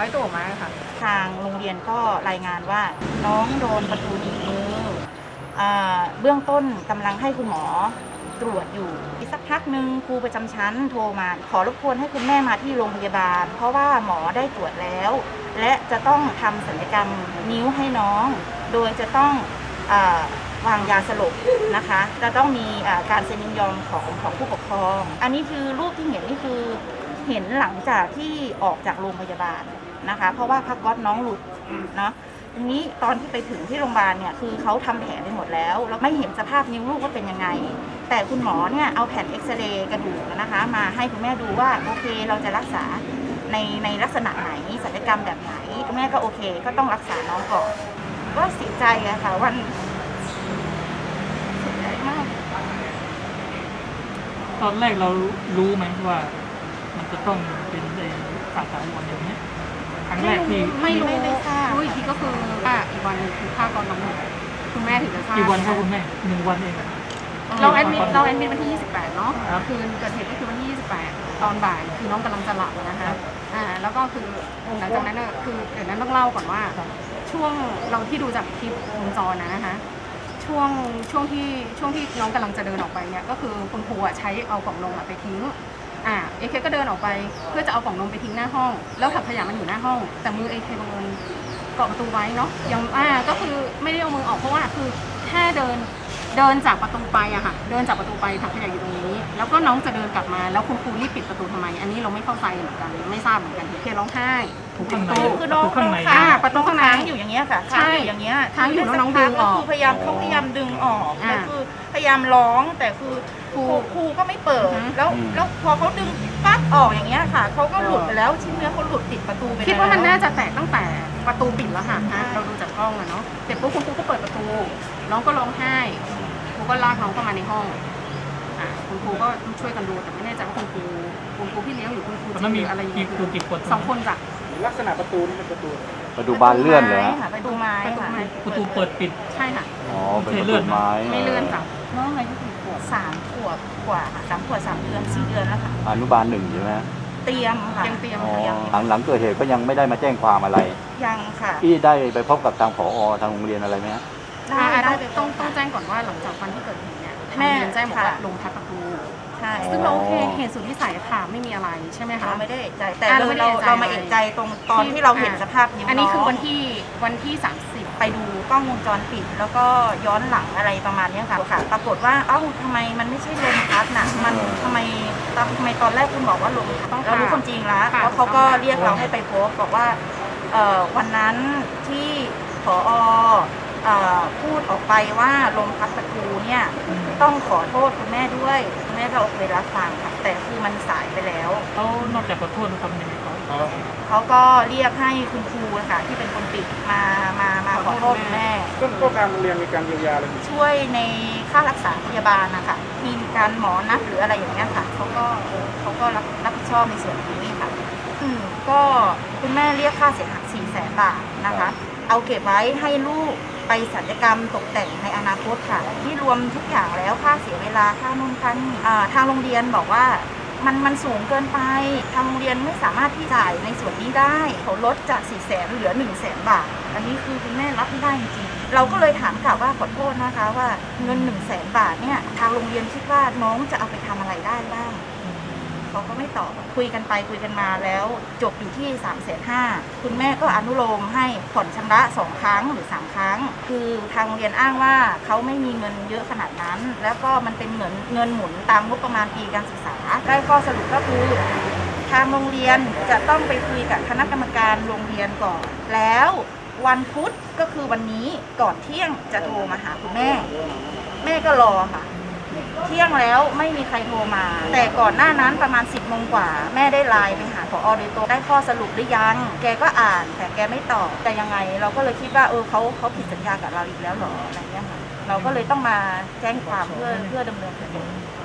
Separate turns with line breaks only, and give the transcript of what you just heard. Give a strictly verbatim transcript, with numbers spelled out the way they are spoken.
ร้อยตัวมาค่ะ
ทางโรงเรียนก็รายงานว่าน้องโดนประตูหนีบมือเบื้องต้นกำลังให้คุณหมอตรวจอยู่สักพักหนึ่งครูประจำชั้นโทรมาขอรบกวนให้คุณแม่มาที่โรงพยาบาลเพราะว่าหมอได้ตรวจแล้วและจะต้องทำศัลยกรรมนิ้วให้น้องโดยจะต้องวางยาสลบนะคะจะต้องมีการเซ็นยินยอมของของผู้ปกครองอันนี้คือรูปที่เห็นนี่คือเห็นหลังจากที่ออกจากโรงพยาบาลนะคะเพราะว่าผ้าก๊อซน้องหลุดเนาะทีนี้ตอนที่ไปถึงที่โรงพยาบาลเนี่ยคือเขาทำแผลไปหมดแล้วเราไม่เห็นสภาพนิ้วลูกว่าเป็นยังไงแต่คุณหมอเนี่ยเอาแผ่นเอ็กซเรย์กระดูกนะคะมาให้คุณแม่ดูว่าโอเคเราจะรักษาในในลักษณะไหนศัลยกรรมแบบไหนคุณแม่ก็โอเคก็ต้องรักษาน้องก่อนก็เสียใจอะค่ะวันเสียใจมาก
ตอนแรกเรารู้ไหมว่ามันจะต้องเป็นในขาดวันอย่างนี้ครั้งแรกที่
ไม่รู้รู้อีกทีก็คือว่าอีกวันนึงคือค่าก่อนกำหนดคุณแม่ถึงจะทราบ
กี่วันครับคุณแม่หนึ่งวันเอง
เราแอดมิดเราแอดมิดวันที่ยี่สิบแปดเนาะคืนเกิดเหตุก็คือวันที่ยี่สิบแปดตอนบ่ายคือน้องกำลังจะหลับนะคะอ่าแล้วก็คือหลังจากนั้นคือเดี๋ยวนั้นต้องเล่าก่อนว่าช่วงเราที่ดูจากคลิปวงจรนะคะช่วงช่วงที่ช่วงที่น้องกำลังจะเดินออกไปเนี่ยก็คือคุณครูใช้เอากล่องนมไปทิ้งอ่าเอเคก็เดินออกไปเพื่อจะเอากล่องนมไปทิ้งหน้าห้องแล้วถังขยะมันอยู่หน้าห้องแต่มือเอเคบังเอิญเกาะประตูไว้เนาะยังอ่าก็คือไม่ได้เอามือออกเพราะว่าคือแค่เดินเดินจากประตูไปอะค่ะเดินจากประตูไปถังขยะอยู่ตรงนี้แล้วก็น้องจะเดินกลับมาแล้วคุณครูรีบปิดประตูทำไมอันนี้เราไม่เข้าใจเหมือนกันไม่ทราบเหมือนกันเอเคร้องไห้
ถูกข้างใน
คือน้อง
ข้างใน
ประตูข้างในอยู่อย่างเงี้ยค่ะใช่อย่างเงี้ย
ค้างอยู่น้องดึงออก
คือพยายามเขาพยายามดึงออกแล้วคือพยายามร้องแต่คือครูครูก็ไม่เปิดแล้วแล้วพอเขาดึงปั๊บออกอย่างเงี้ยค่ะเขาก็หลุดไปแล้วชิ้นเนื้อเขาหลุดติดประตูไปแล้ว
คิดว่ามันน่าจะแตกตั้งแต่ประตูปิดแล้วค่ะเราดูจากกล้องอะเนาะเสร็จปุ๊บคุณครูก็เปิดประตูน้องก็ร้องไห้ครูก็ลากน้องเข้ามาในห้องอ่าคุณครูก็ช่วยกันดูแต่ไม่แน่ใจว่าคุณครูคุณครูพี่เลี้ยงหรือคุณครูจริงอะไรอย่างเงี้ยสองคนจ้ะ
ลักษณะประตูนี่เป็นประตู
ประตูบานเลื่อนเลย
ค่ะประตูไม้
ประตูไม้
ประตูเปิดปิด
ใช่ค่ะ
อ๋อเป็นประตูไม้
ไม่เลื่อนจ้ะ
น้องอายุกี่ขวบสามขวบกว่าค่ะสามขวบสามเดือนสี่เดือนแล้วค่ะ
อนุบาลหนึ่งใช่ไหม
เตรียมค่ะ
ยังเตรียม
หลังหลังเกิดเหตุก็ยังไม่ได้มาแจ้งความอะไร
ยังค่ะ
พี่ได้ไปพบกับทางผอทางโรงเรียนอะไรไหมฮะ
ได้ได้ต้องต้องแจ้งก่อนว่าหลังจากวันที่เกิดเหตุเนี่ยทางโรงเรียนแจ้งบอกว่าลงทับประตู
ใช่
ซึ่งเราโอเคเหตุสุดวิสัยค่ะไม่มีอะไรใช่ไหมคะ
เราไม่ได้เอกใจแต่เราเรามาเอกใจตรงตอนที่เราเห็นสภาพนิ้วน้อง
อันนี้คือวันที่วันที่สามสิบ
ไปดูกล้องวงจรปิดแล้วก็ย้อนหลังอะไรประมาณนี้ค่ะค่ะปรากฏว่าเอ้าทำไมมันไม่ใช่ลมพัดน่ะมันทำไมทำไมตอนแรกคุณบอกว่าลมพัดเรารู้ความจริงแล้วเพราะเขาก็เรียกเราให้ไปพบบอกว่าวันนั้นที่ผอพูดออกไปว่าลมพัดประตูเนี่ยต้องขอโทษคุณแม่ด้วยคุณแม่เราเคยรับฟังค่ะแต่คือมันสายไปแล้ว
เขานอกจากขอโทษทำยังไงเขา
เขาก็เรียกให้คุณครูค่ะที่เป็นคนปิดมามามาขอโทษคุณแม่
ต้นก็ทางโรงเรียนมีการเยียวยาอะไร
ช่วยในค่ารักษาพยาบาลนะคะมีการหมอนัดหรืออะไรอย่างเงี้ยค่ะเขาก็เขาก็รับรับผิดชอบในส่วนนี้ค่ะอืมก็คุณแม่เรียกค่าเสียหายสี่แสนบาทนะคะเอาเก็บไว้ให้ลูกไปศัลยกรรมตกแต่งในอนาคตค่ะที่รวมทุกอย่างแล้วค่าเสียเวลาค่านู่นค่านี่ทางโรงเรียนบอกว่ามันมันสูงเกินไปทางโรงเรียนไม่สามารถที่จ่ายในส่วนนี้ได้เขาลดจากสี่แสนเหลือหนึ่งแสนบาทอันนี้คือคุณแม่รับไม่ได้จริงๆเราก็เลยถามกลับว่าขอโทษนะคะว่าเงินหนึ่งแสนบาทเนี่ยทางโรงเรียนคิดว่าน้องจะเอาไปทำอะไรได้บ้างเขาก็ไม่ตอบคุยกันไปคุยกันมาแล้วจบอยู่ที่สามแสนห้าคุณแม่ก็อนุโลมให้ผ่อนชำระสองครั้งหรือสามครั้งคือทางโรงเรียนอ้างว่าเขาไม่มีเงินเยอะขนาดนั้นแล้วก็มันเป็นเหมือนเงินหมุนตามงบประมาณปีการศึกษาได้ข้อสรุปก็คือทางโรงเรียนจะต้องไปคุยกับคณะกรรมการโรงเรียนก่อนแล้ววันพุธก็คือวันนี้ก่อนเที่ยงจะโทรมาหาคุณแม่แม่ก็รอค่ะเที่ยงแล้วไม่มีใครโทรมาแต่ก่อนหน้านั้นประมาณสิบโมงกว่าแม่ได้ไลน์ไปหาผอโดยตรงได้ข้อสรุปหรือยังแกก็อ่านแต่แกไม่ตอบแต่ยังไงเราก็เลยคิดว่าเออเขาเขาผิดสัญญากับเราอีกแล้วหรออะไรเงี้ยค่ะเราก็เลยต้องมาแจ้งความเพื่อเพื่อดำเนินคดี